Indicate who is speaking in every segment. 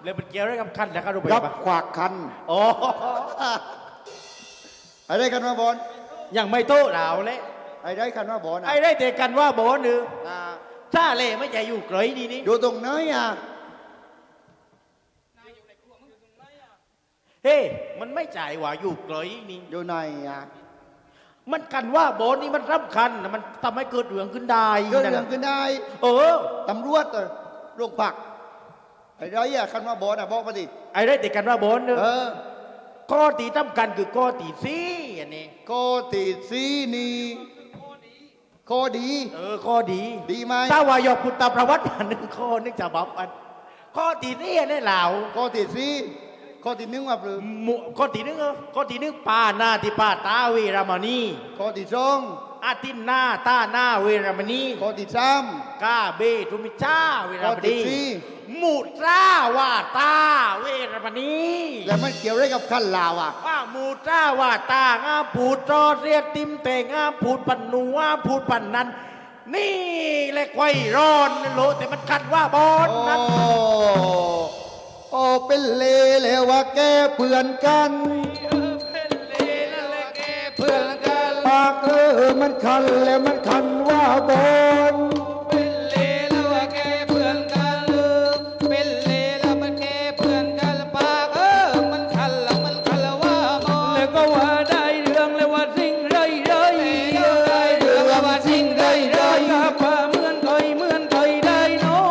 Speaker 1: แล้วมันเกี่ยวอะไรกับคันนะครับรู้ไหม
Speaker 2: รับขวากคัน
Speaker 1: โอ้
Speaker 2: ไอ้ได้กันว่าบอล
Speaker 1: ยังไม่โต้เหล่าเลย
Speaker 2: ไอ้ได้กันว่าบอล
Speaker 1: ไอ้ได้แต่กันว่าโบนหรือ
Speaker 2: อ่า
Speaker 1: ถ้าเล่ไม่ใช่อยู่ไกลนี่นี่
Speaker 2: อยู่ตรงไหนอ่ะ
Speaker 1: เฮ้มันไม่จ่ายว่าอยู่ไกลนี่
Speaker 2: อยู่ไหนอ่ะ
Speaker 1: มันกันว่าโบนนี่มันสำคัญนะมันทำให้เกิดเรื่องขึ้นได้
Speaker 2: เกิดเรื่องขึ้นได้
Speaker 1: เออ
Speaker 2: ตำรวจโรงพักไอ้ได้อ่ะคันว่าบอลอ่ะบอกมาดิ
Speaker 1: ไอ้ได้แต่กันว่าโบนเนอะ
Speaker 2: เออ
Speaker 1: ข้อตีสำคัญคือข้อตีสี่อันนี้
Speaker 2: โกติซีนีโคดี
Speaker 1: ข้อดี
Speaker 2: ดีไหม
Speaker 1: ถ้าว่ายกพุทธประวัติมาหนึ่งข้อนึกจะบับอันข้อตีสี่อันนี้เหล่า
Speaker 2: โกติซีโคตินึงว่าหรือ
Speaker 1: ข้อตีหนึงข้อตีหนึงป้าหน้าที่ป้าตาเวรามณี
Speaker 2: โคติซอง
Speaker 1: อาทิตย์หน้าตาหน้าเวรามณี
Speaker 2: โคติซ้
Speaker 1: กาเบทุมิชาเวราม
Speaker 2: ข้อที่
Speaker 1: ณี
Speaker 2: สี่
Speaker 1: มุตราวาตาเวรามณี
Speaker 2: ำแล้วมันเกี่ยวอะไรกับขั้นลาวอ่ะ
Speaker 1: ว่ามุตราวาตางามผูดจอเรียกติมเตงงามผูดปันนูงามผูดปันนั้น นี่แหละไข่ร้อนนั่นโลแต่มันกัดว่าบอลนั้น
Speaker 2: โอ้เป็นเลแล้วว่าแกเพื่อนกันปากมันคันแล้วมันคันว่าบน
Speaker 3: แล้วก็ว่าได้เรื่องแล้วว่าสิ่งไรกับพาเหมือนเคยได้น้อย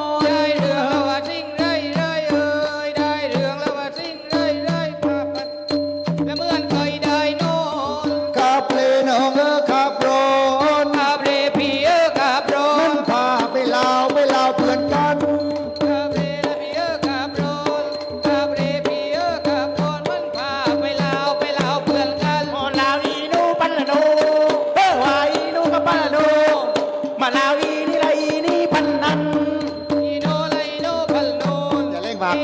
Speaker 2: ขับเลนองขับรนมันพาไปลาวเพื่อนกัน
Speaker 1: โอ้ลาวอีนูปันละโนวาอีนูกับปันละโนมาลาวอีนี่ละอีนี่พันนัน
Speaker 2: อย่าเล่งบัก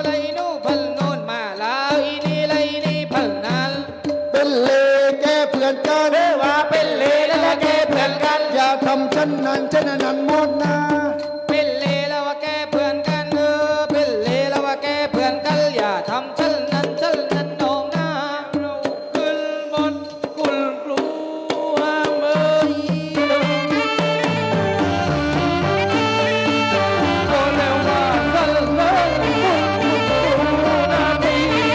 Speaker 2: เป็นเลแกเพื่อนกัน
Speaker 1: ว่าเป็นเลและแกเพื่อนกัน
Speaker 2: อย่าทำฉันนั้นหมดนะ
Speaker 3: ทำฉันนั้นน้องนะเราขึ้นบนกุลกลัวเมื่อยก็แล้วว่ากันเลยนาที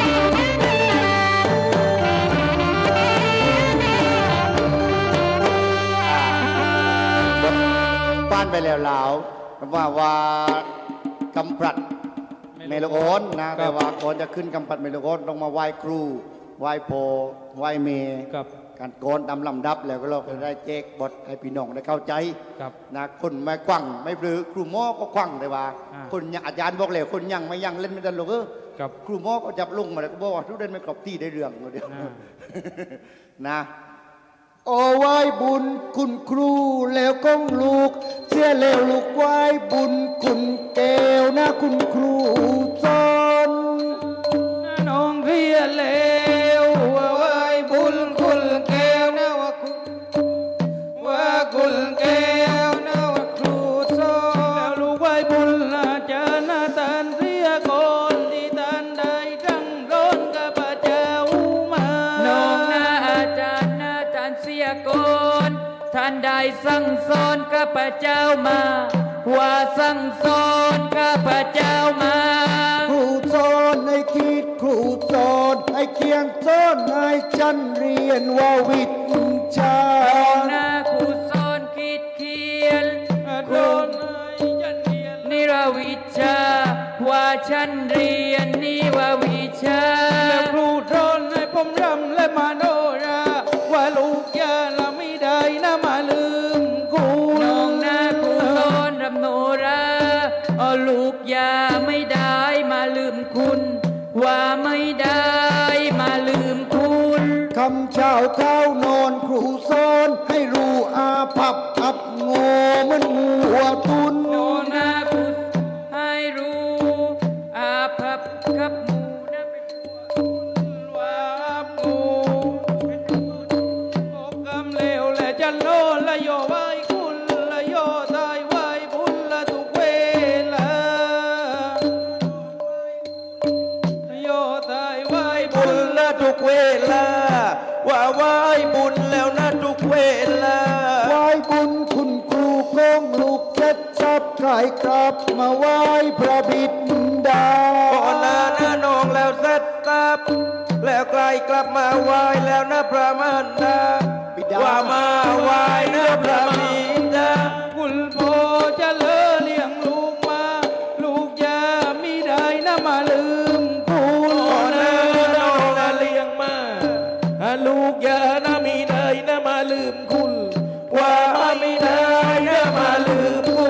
Speaker 2: ป้านไปแล้วลาวว่ากำปรัดเมโลโอนนะแต่ว่าก่อนจะขึ้นกำปรัดเมโลโอนต้องมาไหว้ครูไหว้โพไหว้เม
Speaker 3: ครับ
Speaker 2: การโกนตามลำดับแล้วก็เราจะได้แจกบทให้พี่น้องได้เข้าใจ
Speaker 3: ครับ
Speaker 2: นะคนไม่กวังไม่ปรือครูหมอก็กวังเลยว่า
Speaker 3: อ่า
Speaker 2: คนยังอาจารย์บอกเลยคนยังไม่ยังเล่นไม่ได้หรอก
Speaker 3: ครับ
Speaker 2: ครูหมอก็จับลงมาแล้วก็บอกว่าทุกเด่นไม่กรอบที่ได้เรื่องเดียว
Speaker 3: อ่า
Speaker 2: นะโอ้ไหว้บุญคุณครูแล้วก้องลูกเชื่อแล้วลูกไหว้บุญคุณแก้วนะคุณครูสอน
Speaker 3: น้องเรียนแล้วว่าไหว้บุญคุณแก้วนะว่าคุณแก้วนะว่าครูสอนแล้วลูกไหว้บุญอาจารย์นะตันเสียก่อนที่ตันได้ตั้งร้อนกับพระเจ้ามาน้องนะอาจารย์นะตันเสียก่อนท่านได้สั่งสอนกับพระเจ้ามาว่าสั่งสอนกับพระเจ้ามา
Speaker 2: ครูสอนให้คิดครูสอนให้เขียนสอนให้ฉันเรียนว่าวิชา
Speaker 3: หน้าครูสอนคิดเขียนครูนิรวิชาว่าฉันเรียนนิววิชาและครูสอนให้ผมรำและมาโนราว่าลูกยาละไม่ได้นะมาลืมกูน้องหน้าครูสอนรำโนราลูกยาไม่ได้มาลืมคุณ ว่าไม่ได้มาลืมคุณ
Speaker 2: คำเช้าข้าวนอนครูสอนให้รู้อาภัพอับโง่เหมันหัวตุน
Speaker 3: โนนาคุให้รู้อาภัพกับหมูนะเป็นว่าหมูเป็นโอกำเลวและจันโนละโยไว้คุณละโยตายไว้บุญละทุกเวลา
Speaker 4: ทุกเวลาว่าไหว้บุญแล้วนะทุกเวลา
Speaker 2: ไหว้บุญคุณครูของลูกเจ็ดชับขายกลับมาไหว้พระบิดา
Speaker 4: ก่อนหน้าน้องแล้วเสร็จสับแล้วไกลกลับมาไหว้แล้วนะพระมารดา
Speaker 2: บิดา
Speaker 4: ว่ามาไหว้นะพระบิดา
Speaker 3: คุณพ่อจะเลอเลี้ยงลูกมา ลูกอย่ามีได้นะมาลืมคุณ
Speaker 4: ก่อนหน้าน้องละเลี้ยงมาลูกอย่านะมีได้นะมาลืมคุณ ว่าไม่ได้นะมาลืมคุณ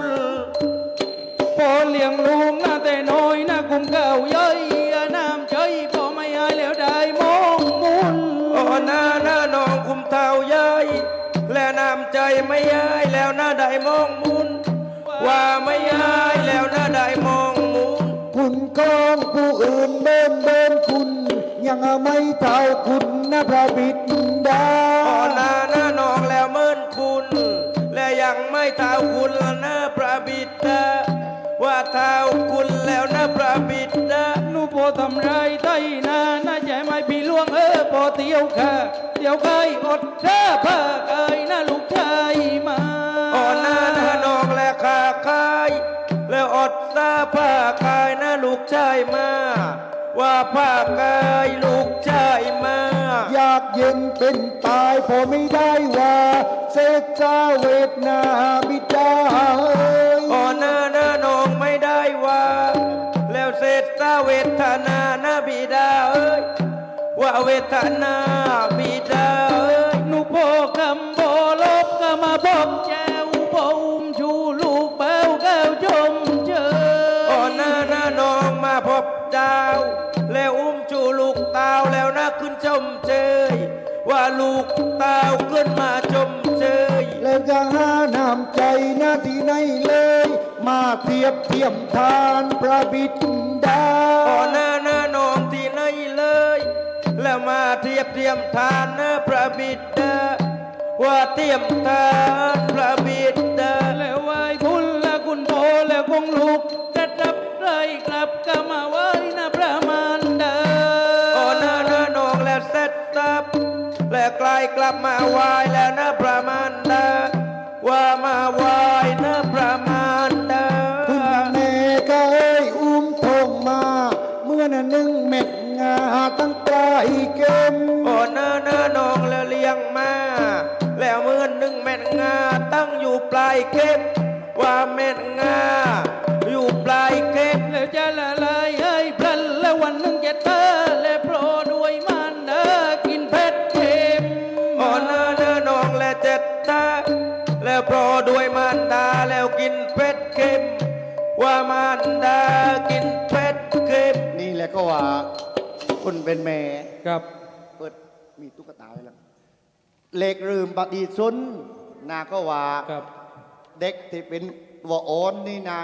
Speaker 3: พ่อเลี้ยงลูกนะแต่น้อยนะกุมเก่าย่อยน้ำใจพ่อไม่อายแล้วได้มองมุน
Speaker 4: ก่อนหน้าน้องคุมเท้าย้ายและน้ำใจไม่ย้ายแล้วนะได้มองมุน ว่าไม่ย้ายแล้วนะได้มองมุน
Speaker 2: คุณของผู้อื่นเบิ้นคุณ ยังไม่เท่าคุณนะพระบิดา
Speaker 4: ก่อนหน้าน้องแล้วเมินคุณ และยังไม่เท่าคุณละนะพระบิดา ว่าเท่าคุณแล้วนะพระบิดา
Speaker 3: หนูพ่อทำไรไต้นาน่าใจไม่พี่ล่วงพ่อเตียวค่ะเตียวไก่อดเด้อพาไก่นะลูกชายมา
Speaker 4: ก่อนหน้าน้องและขาคายแล้วอดตาผ้าคายนะลูกชายมา ว่าผ้ากายลูกชายมา
Speaker 2: อยากเย็นเป็นตายพอไม่ได้ว่าเสกเจ้าเวทนาบิดาเอ้ย
Speaker 4: ก่อนหน้าน้องไม่ได้ว่า แล้วเศษตาเวทนานะบิดาเอ้ยว่าเวทนาบิดาเอ้ย
Speaker 3: หนูพ่อคำบ่ลบก็มาบอกแจวพ่ออุ้มชูลูกเป้าแก้วจมเจอ
Speaker 4: ก่อนหน้าน้องมาพบเจ้า แล้วอุ้มจูลูกเต้าแล้วนะขึ้นชมเชยว่าลูกเต้าขึ้นมาชมเชย
Speaker 2: แล้วจะหาน้ำใจหน้าที่ไหนเลย มาเทียบเทียมทานพระบิดา
Speaker 4: ก่อนหน้าน้องที่ไหนเลย แล้วมาเทียบเทียมทานนะพระบิดา ว่าเทียมทานพระบิดา
Speaker 3: แล้วไหว้คุณและคุณพ่อและคงลูกกระดับไรกลับก็มาไหว้นะพระมารดา
Speaker 4: ก่อนหน้าน้องแล้วเสร็จสับและไกลกลับมาไหว้แล้วนะพระมารดา ว่ามาไหว้นะพระมารดา
Speaker 2: คุณแม่ก็เอ้ยอุ้มทงมา เมื่อนั้นนึ่งเม็ดงาตั้งปลายเกม
Speaker 4: ก่อนหน้าน้องแล้วเลี้ยงมา แล้วเมื่อหนึ่งแม่นงาตั้งอยู่ปลายเก็บ ว่าแม่นงาอยู่ปลายเก็บ
Speaker 3: แล้วจะละลายให้พลันแล้ววันหนึ่งจะเธอและโปรด้วยมันเด้อกินเผ็ดเค็ม
Speaker 4: ก่อนหน้าน้องและเจ็ดตาแล้วโปรด้วยมารดาแล้วกินเป็ดเค็ม ว่ามารดากินเป็ดเค็ม
Speaker 2: นี่แหละก็ว่าคนเป็นแม่
Speaker 3: ครับ
Speaker 2: เปิดมีตุ๊กตาไว้แล้วเล็กลืมปฏิสุนนาก็ว่า
Speaker 3: ครับ
Speaker 2: เด็กที่เป็นตัวอ่อนนี่นะ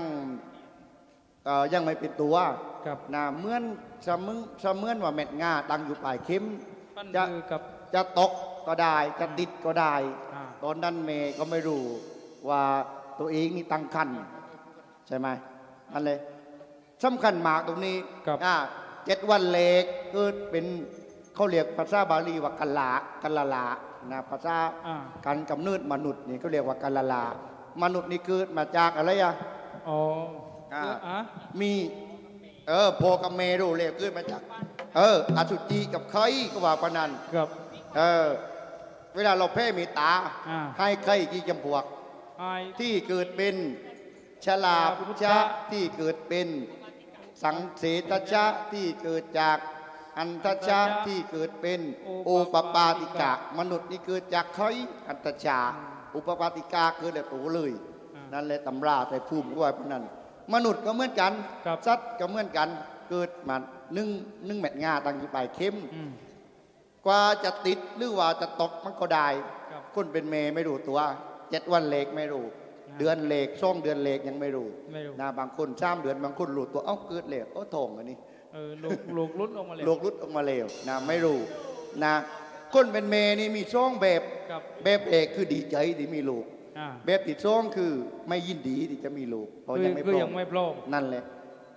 Speaker 2: ยังไม่เป็นตัว
Speaker 3: ครับ
Speaker 2: นะเหมือนเสมือนว่าเม็ดงาตั้งอยู่ปลายเข็ม
Speaker 3: ปั้น
Speaker 2: จะ
Speaker 3: มือกับ
Speaker 2: จะตกก็ได้จะติดก็ได้
Speaker 3: อ่า
Speaker 2: ตอนนั้นเมย์ก็ไม่รู้ว่าตัวเองนี่ตั้งคันใช่ไหมนั่นเลยสำคัญมากตรงนี้
Speaker 3: ครับ
Speaker 2: 7 วันเล็กก็เป็นเขาเรียกภาษาบาลีว่ากันละลานะภาษา
Speaker 3: อ่า
Speaker 2: การกำเนิดมนุษย์นี่เขาเรียกว่ากันละลามนุษย์นี่เกิดมาจากอะไรอ่ะ
Speaker 3: อ๋อ
Speaker 2: อ่า
Speaker 3: อ่ะ
Speaker 2: มีพอกับเมรูเรียกเกิดมาจากอสุจิกับไข่ก็ว่าปานนัน
Speaker 3: ครับ
Speaker 2: เวลาเราแพ้มีตา
Speaker 3: อ่า
Speaker 2: ให้ไข่กี่จำพวก
Speaker 3: ไอ
Speaker 2: ที่เกิดเป็นชลาพุชะที่เกิดเป็นสังเสตชะที่เกิดจากอันทชะที่เกิดเป็นโอปปาติกะ มนุษย์นี่เกิดจากไข่อันทชาอุปปาติกาเกิดแต่ตัวเลย นั่นแหละตำราแต่ภูมิก็ว่าพนั้นมนุษย์ก็เหมือนกัน
Speaker 3: ครับ
Speaker 2: สัตว์ก็เหมือนกันเกิดมานึ่งเม็ดงาตั้งอยู่ปลายเข็ม
Speaker 3: อืม
Speaker 2: กว่าจะติดหรือว่าจะตกมันก็ได้
Speaker 3: ครับ
Speaker 2: คนเป็นเมย์ไม่รู้ตัว7 วันเล็กไม่รู้ เดือนเล็ก2 เดือนเล็กยังไม่รู้
Speaker 3: ไม่รู้
Speaker 2: นะบางคน3 เดือนบางคนรู้ตัวเอ้าเกิดเล็กทองอันนี้
Speaker 3: ลูกรุดออกมาเลย
Speaker 2: โลกรุดออกมาเร็วนะไม่รู้นะคนเป็นเมย์นี่มีช่องแบบ
Speaker 3: ครับ
Speaker 2: แบบเอกคือดีใจที่มีลูก
Speaker 3: อ่า
Speaker 2: แบบที่ช่องคือไม่ยินดีที่จะมีลูกเพราะยังไม่พ
Speaker 3: คือ
Speaker 2: ร้อ
Speaker 3: ยั
Speaker 2: ม
Speaker 3: งไม่พร้อม
Speaker 2: นั่นแหละ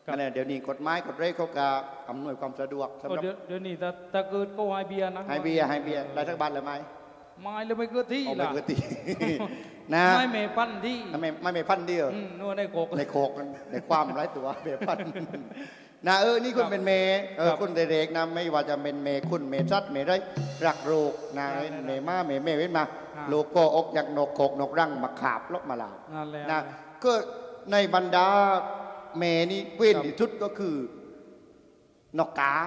Speaker 2: นั่นแหละเดี๋ยวนี้กฎหมายกฎเรกเขาก็อำนวยความสะดวกสำหรับ
Speaker 3: เดี๋ยวนี้ถ้าเกิดก็ให้เบียร์นะ
Speaker 2: ให้เบียร์ได้ทั้งบ้านเลยไหม
Speaker 3: ไม่เลยไม่เกิดที่
Speaker 2: เอาไป
Speaker 3: ล่ะ
Speaker 2: เกิดตี นะ
Speaker 3: ไม่เมพันที่
Speaker 2: ไม่พันเดียว
Speaker 3: นัวในโกก
Speaker 2: ในโคกในความไร้ตัวเบียพันนะนี่คุณเป็นเมย์คุณเด็กๆนะไม่ว่าจะเป็นเมย์คุณเมย์ซัดเมย์ได้รักโรคนะเมย์มาเมย์เว้นมาโลโก้อกอยากนกโคกนกรังมาขาบลบมาลาว
Speaker 3: นั่นแหละ
Speaker 2: นะก็ในบรรดาเมย์นี่เว้นที่สุดก็คือนกกาน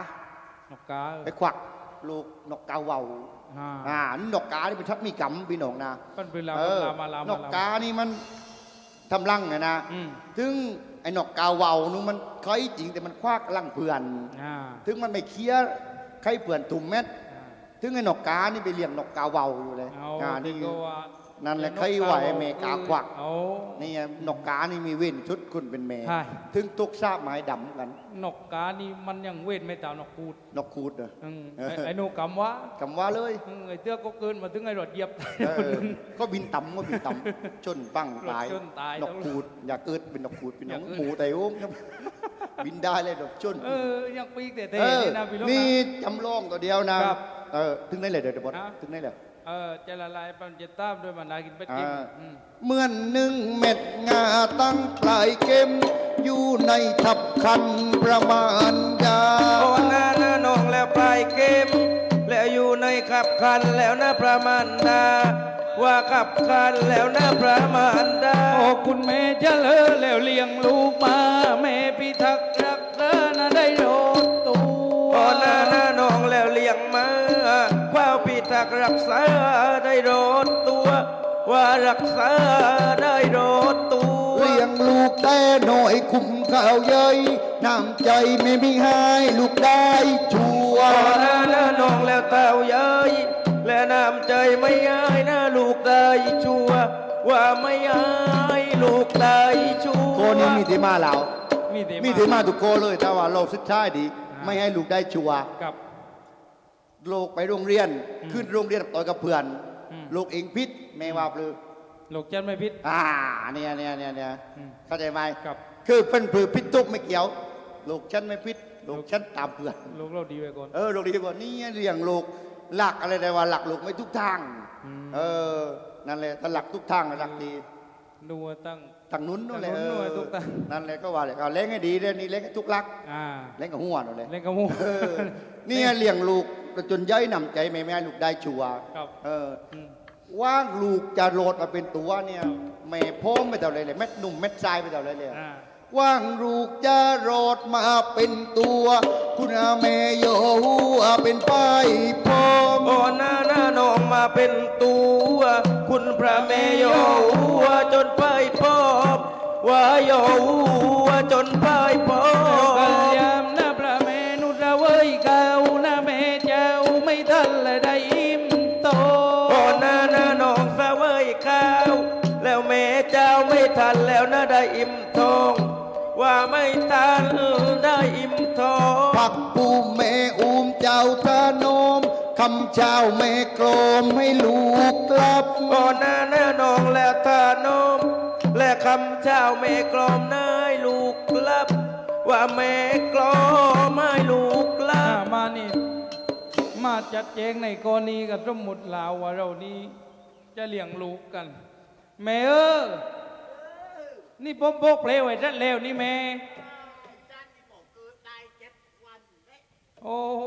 Speaker 3: กกา
Speaker 2: ไปควักลูกนกกาเวา นกกานี่เป็นทัดมีกำพี่น้องนะ
Speaker 3: เป็นเวลามาลาม
Speaker 2: นกกานี่มันทำรังไงนะ ถึงไอ้นกกาเวานู่นมันเคยจริงแต่มันควักรังเพื่อน ถึงมันไม่เคี้ยใครเพื่อนตุ่มเม็ด ถึงไอ้นกกานี่ไปเลี้ยงนกกาเวาอยู่เลยนี่นั่นแหละใครไหวเมกาควักนี่นกกานี่มีเว้นชุดคุณเป็นเมย์ถึงตุกซาบไม้ดำกัน
Speaker 3: นกกานี่มันยังเว้นไม่ตามนกคูด
Speaker 2: นกคูดเหรอ
Speaker 3: ไอ้นูกำวะ
Speaker 2: กำว่าเลย
Speaker 3: ไอ้เตื้อก็เกินมาถึงไอ้รถเหยียบ
Speaker 2: ก็บินต่ำก็บินต่ำจนปั้งตาย
Speaker 3: จนตาย
Speaker 2: นกคูดอยากเกิดเป็นนกคูดเป็นนกหมูไต่โอ้มบินได้เลยดอกจน
Speaker 3: ยังปีกเตะๆนี่นะพี่ลูก
Speaker 2: นี่จำลองตัวเดียวนะถึงได้เลยเดี๋ยวบดถึงได้เลย
Speaker 3: จะละลายปันจะตามด้วยมันนากินเป็ดกิน
Speaker 2: เหมือนหนึ่งเม็ดงาตั้งปลายเข็มอยู่ในทับคันประมาณยา
Speaker 4: โอ้หน้าน้องแล้วปลายเกมแล้วอยู่ในขับคันแล้วนะประมาณดาว่าขับคันแล้วนะประมาณดา
Speaker 3: โอ้คุณแม่จะเลอแล้วเลี้ยงลูกมาแม่พิทักษ์รักษานะได้โดดตัว
Speaker 4: โอ้หน้าน้องแล้วเลี้ยงมาความพิทักษ์รักษาได้โดดตัวว่ารักษาได้โดดตัว
Speaker 2: เลี้ยงลูกแต่หน่อยคุ้มข้าวเย้ยน้ำใจไม่มีให้ลูกได้ชัว
Speaker 4: โอ้หน้าน้องแล้วเต่าเย้ยและน้ำใจไม่ย้ายนะลูกได้ชัวว่าไม่ย้ายลูกได้ชัว
Speaker 2: โคนี้มีที่มาแล้ว
Speaker 3: มี
Speaker 2: มีที่มาทุกโคเลยแต่ว่าเราสุดท้ายดีไม่ให้ลูกได้ชัว
Speaker 3: กับ
Speaker 2: ลูกไปโรงเรียนขึ้นโรงเรียนต่อยกับเพื่อนลูกเองพิษแม่ว่าหรือ
Speaker 3: ลูกจันไม่พิษ
Speaker 2: เนี่ยเข้าใจไหม
Speaker 3: กับ
Speaker 2: คือเป็นผือพิษทุกไม่เกี่ยวลูกฉันไม่พิษลูกฉันตามเพื่อน
Speaker 3: ลูกเราดีไว้ก่อน
Speaker 2: ลูกดีกว่านี่เลี้ยงลูกหลักอะไรได้ว่าหลักลูกไม่ทุกทางนั่นแหละถ้าหลักทุกทางหลักดี
Speaker 3: ดูตั้ง
Speaker 2: ทางนู้นนั่นแหละ
Speaker 3: ทางนู้นด้วยทุกทาง
Speaker 2: นั่นแหละก็ว่าเลยเลี้ยงให้ดีเลยนี่เลี้ยงให้ทุกหลัก เลี้ยงกับหัวนั่นแหละ
Speaker 3: เล่นกับมู
Speaker 2: นี่เลี้ยงลูกจนย้ายหนำใจไม่ให้ลูกได้ชัว
Speaker 3: ครับ
Speaker 2: ว่างลูกจะโหลดมาเป็นตัวเนี่ยแม่พ่อไม่เท่าไรเลยเม็ดหนุ่มเม็ดทรายไม่เท่าไรเลยว่างลูกจะโหลดมาเป็นตัว คุณอาแม่โยเป็นป้ายพ่อ
Speaker 4: โอ้หน้าน้องมาเป็นตัวคุณพระแม่โยจนไปพบว่าโยจนไปพบ
Speaker 3: กัลยามนะพระเมนุระเว้ยเก่านะแม่เจ้าไม่ทันเลยได้อิ่มโต
Speaker 4: โอ้หน้าน้องสะเวยข้าวแล้วแม่เจ้าไม่ทันแล้วนะได้อิ่มทองว่าไม่ทันได้อิ่มทอง
Speaker 2: พักปูแม่อุ้มเจ้าทานมคำเจ้าแม่กลมให้ลูกกลับ
Speaker 4: โอ้หน้าน้องแล้วทานมและคำเจ้าแม่กลอมนายลูกกลับ ว่าแม่กลอมให้ลูกกลับ
Speaker 3: มานี่มาจัดแจงในกรณีกับสมมุติลาวว่าเรานี้จะเลี้ยงลูกกัน แม่นี่ผมบอกเพลวไว้ชัดแล้วนี่แม่โอ้โห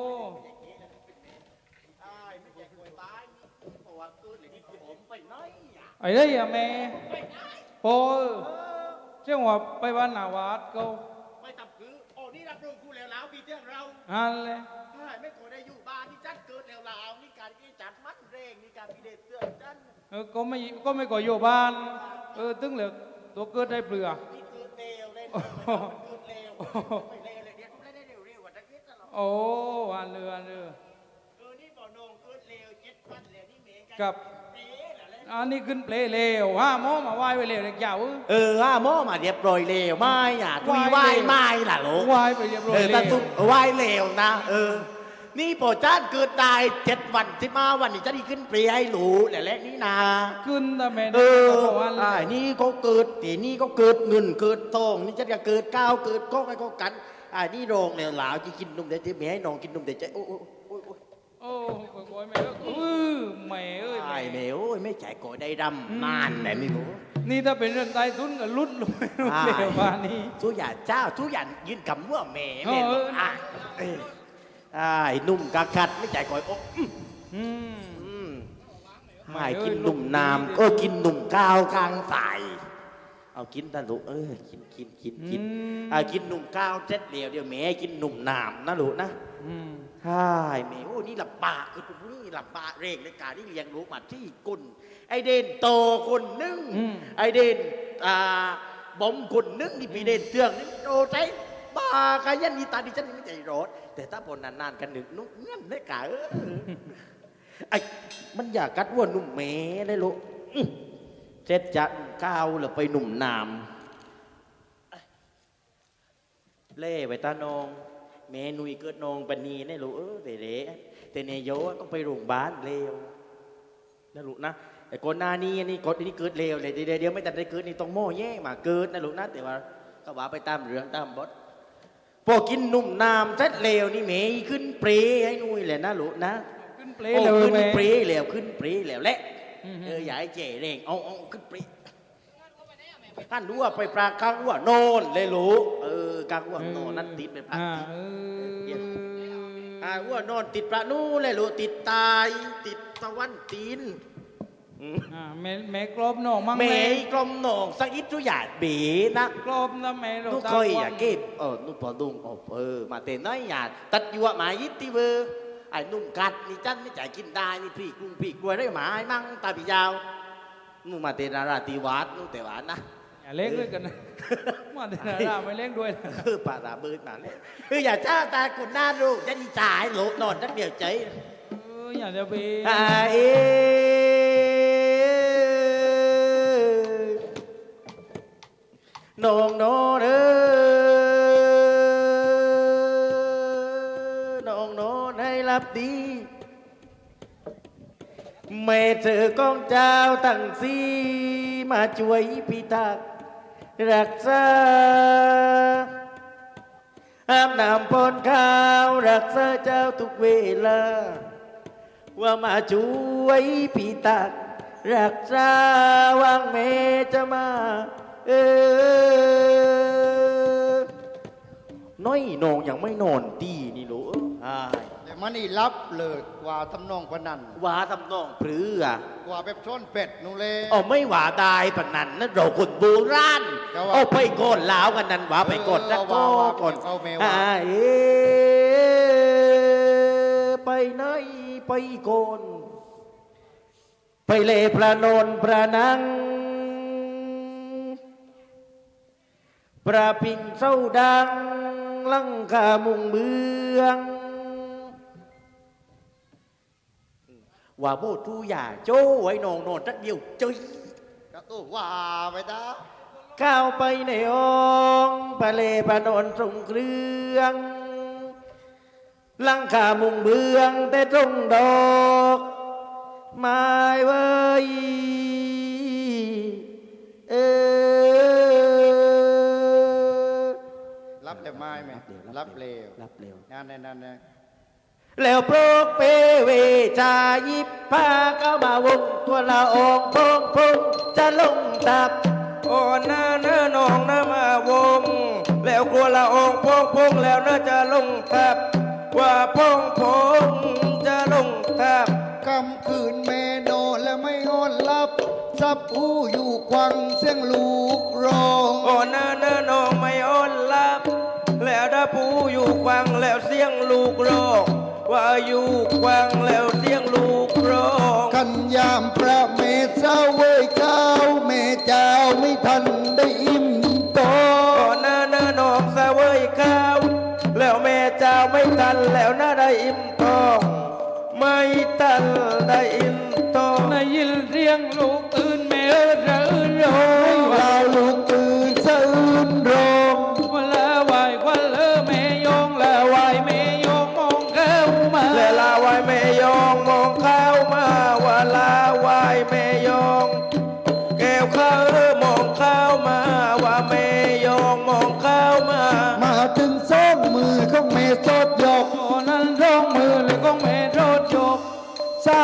Speaker 3: ไอ้เด้ยอะแม่โอ้เจ้าว่าไปบ้านนาวาดเขา
Speaker 1: ไม่ทำคือโอ้นี่รับรองกูแล้วปีเที่ยงเรา
Speaker 3: อันเลย
Speaker 1: ไม่ควรได้อยู่บ้านนี่จัดเกิดแล้วนี่การที่จัดมัดเร่งนี่การพิเดชเตือนจัน
Speaker 3: ก็ไม่ก่ออยู่บ้านตึงเหลือตัวเกิดได้เปลือก
Speaker 1: นี่คือเร็วเลยเกิดเร็วไม่เร็วเลยเนี่ยไม่ได้เร็วกว่าตะกี้ตลอด
Speaker 3: โอ้อันเรือ
Speaker 1: นี่บ่อนงเกิดเร็ว7 วันแล้วนี่เมย์กัน
Speaker 3: กับอันนี้ขึ้นเปลเลวห้าหมอมาไหว้ไว้เลวเด็กยาว
Speaker 1: หม้อมาเรียบร้อยเร็วไม่ทุยไหวไม่ล่ะลูก
Speaker 3: ไหว้ไปเรียบร้อย
Speaker 1: แต่
Speaker 3: เล
Speaker 1: สุ
Speaker 3: ว
Speaker 1: ดไหวเร็วนะนี่โปรจ้านเกิดได้7 วัน15 วันนี่จะได้ขึ้นเปรียให้หลูแหละนี่นา
Speaker 3: ขึ้นแต่แม่
Speaker 1: เอ
Speaker 3: ได้
Speaker 1: อ
Speaker 3: ก็วัน
Speaker 1: นี่ก็เกิดตีนี่ก็เกิดเงินเกิดทองนี่จะเกิดก้าวเกิดก้องไอ้ก็กันนี่โรงแล้วหลาวจะกินนมเดี๋ยวจะแม่ให้น้องกินนมเดี๋ยวจะโอ้
Speaker 3: โอ้โอยแม่แม่เอ้ย
Speaker 1: ไอ้แม่โอ้ยไม่จ่ายก่อได้ดำนานแม่ไม่รู้
Speaker 3: นี่ถ้าเป็นเรื่องใต้ทุนก็ลุ้นลงไปเร็วกว่านี้
Speaker 1: ทุกอย่างเจ้าทุกอย่างยืนกำว่าแม่
Speaker 3: เออ
Speaker 1: ไอ้นุ่มกะกัดไม่จ่ายก่อยโอ้
Speaker 3: อืม
Speaker 1: ไม่กินหนุ่มน้ำก็กินหนุ่มก้าวกลางสายเอากินตาลูกกินกินหนุ่มก้าวเจ็ดเหลียวเดี๋ยวแม่กินหนุ่มน้ำนะลูกนะใช่แม่โอ้นี่หลับปากคือตรงนี้หลับปากเร่งในการที่เลี้ยงลูกมาที่กุนไอเด่นโตคนนึงไอเด่นบอมคนนึงนี่ปีเด่นเตืองนี่โตใจบ้ากันยันนี่ตาดิฉันไม่ใจร้อนแต่ถ้าพอนานๆกันหนึ่งนุ่มเงี้ยได้กะไอ้มันอยากกัดว่าหนุ่มแม่ได้ลูกเจ็ดจะก้าวหรือไปหนุ่มนามเล่ไปตานองแม่นุยเกิดนองปนีได้ลูกแต่เนโยต้องไปโรงพยาบาลเร็วนะลูกนะแต่ก่อนหน้านี้นี่ก่อนนี้เกิดเร็วเลยเดี๋ยวไม่แต่ได้เกิดนี่ต้องโม่แย่มาเกิดนะลูกนะแต่ว่าก็ว่าไปตามเรื่องตามบทพอกินหนุ่มนามเสร็จเร็วนี่แม่ขึ้นเปรให้นุยเลยนะลูกนะ
Speaker 3: ขึ้นเปล
Speaker 1: โอ้
Speaker 3: เลย
Speaker 1: ขึ้น
Speaker 3: แม่
Speaker 1: ปรีแล้วขึ้นปรีแล้วแหละอย่าให้เจ๋เร่งเอาขึ้นปรีท่านรู้ว่าไปปลากลางว่าโนนเลยรู้กลางว่าโนนนั่นติดไปพระว่านอนติดพระนู่นเลยรู้ติดตายติดตะวันตีน
Speaker 3: แม่กรอบน้องมั่ง
Speaker 1: แม่กลมหนองสักอิดทุกอย่างบีนะ
Speaker 3: กรอบนะแม่เรา
Speaker 1: นุเคยอย่าเก็บนุพอดุงมาเตน้อยอย่าตัดยั่วหมายยิดที่เบอร์ไอ้นุ่มกัดนี่จันไม่จ่ายกินได้นี่พี่กุ้งพี่กล้วยได้หมาไอ้มั่งตาพี่ยาวนู่มาเตนาราตีวัดนู่แต่หวานนะ
Speaker 3: อย่าเล่นด้วยกันนะมาเตนาราไม่เล่นด้วย
Speaker 1: ป่าตาเบิร์ดมาเลยอย่าเจ้าตาคุณหน้าดูจะดีจ่ายโหลนอนจักเดียวใจ
Speaker 3: อย่าจะไป
Speaker 1: น้องโนเด้ให้รับดีแม่เธอกองเจ้าตั้งสีมาช่วยพิทักษ์รักษาห้ามนำปนข้าวรักษาเจ้าทุกเวลาว่ามาช่วยพิทักษ์รักษาวางแม่จะมาน้อยนองยังไม่นอนดีนี่ลูก
Speaker 2: แต่มันนี่รับเลยกว่าทำนองพนัน
Speaker 1: ว่าทำนองพรื้
Speaker 2: กว่าแบบช้อนเป็ดนู่นเลย
Speaker 1: ไม่ว่าได้ปนนั้นนั่นเราคนโบราณไปก่อนลาวกันนั้นว่าไปก่อนจะก่อนไปไหนไปก่อนไปเล่พระนนพระนังพระปิ่นเศร้าดังลังคามุงเมืองว่าโบทูอย่าโจ้ไว้นองนอนจักเดียวเจย
Speaker 2: ก็ตู้ว่าไปตา
Speaker 1: เข้าไปในห้องไปเล่พระนนทรงเครื่องลังคามุงเมืองแต่ตรงดอกไม้ไว้
Speaker 2: รับแต่ไม้ไหมรับเร็วงานในนั้นนะ
Speaker 1: แล้วโปรกเปเวจายิบพาเข้ามาวงตัวละองพงจะลงตับ
Speaker 4: น้าน้องน้ามาวงแล้วกลัวละองพงแล้วน่าจะลงทับว่าพงจะลงทับ
Speaker 2: กำคืนเมโนและไม่อ่อนลับซับหูอยู่ควังเสียงลูกร้อง
Speaker 4: น้าน้องไม่อ่อนลับแล้วถ้าผู้อยู่ควังแล้วเสียงลูกร้องว่าอยู่ควังแล้วเสียงลูกร้อง
Speaker 2: กันยามพระเมสเจ้าเว้ยข้าวแม่เจ้าไม่ทันได้อิ่มท้อง
Speaker 4: น้าน้องเสวยข้าวแล้วแม่เจ้าไม่ทันแล้วน่าได้อิ่มท้องไม่ทันได้อิ่มท้อง
Speaker 3: ได้ยินเสียงลูกตื่นแม่ระอื่นร้อง
Speaker 2: เราลูกตื่นสะอื้นร้อง
Speaker 3: วันละไหววันละแม่ยงละไหวแม่ยงมองเข้ามา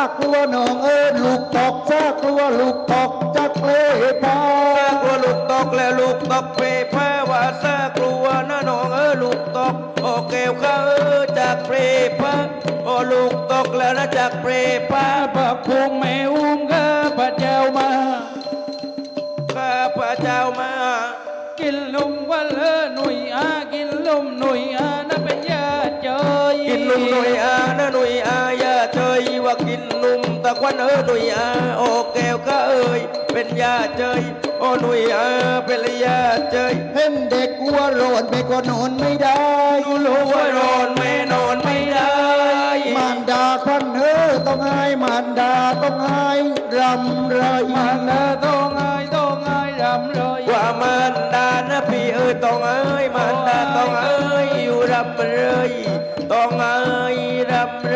Speaker 2: กลัวน้องลูกตกซากลัวลูกตกจากเลพา
Speaker 4: ซากลัวลูกตกแล้วลูกตกเปรย์ผ้าว่าซากลัวนะน้องลูกตกโอเกลข้าจากเปรย์ผ้าโอลูกตกแล้วนะจากเปรย์ผ้า
Speaker 3: บักพงแม่อุ้มข้าพระเจ้ามา
Speaker 4: ข้าพระเจ้ามา
Speaker 3: กินลมวันหนุ่ยกินลมหนุ่ยนั่นเป็นญาติเจย
Speaker 4: กินนุ่มหนุ่ยนะหนุ่ยอย่าเฉยว่ากินนุ่มตะควันหนุ่ยโอแก้วข้าเป็นยาเฉยโอหนุ่ยเป็นยาเฉย
Speaker 2: เห็นเด็กวัวโรดไม่ก็นอนไม่ได้
Speaker 4: รู้ว่านอนไม่นอนไม่ได้
Speaker 2: มารดาควันต้องให้มารดาต้องให้รำไร
Speaker 3: มันต้องไงรำเลย
Speaker 4: ว่ามันดานะพี่ต้องมันดาต้องอยู่รำเลยต้องรำ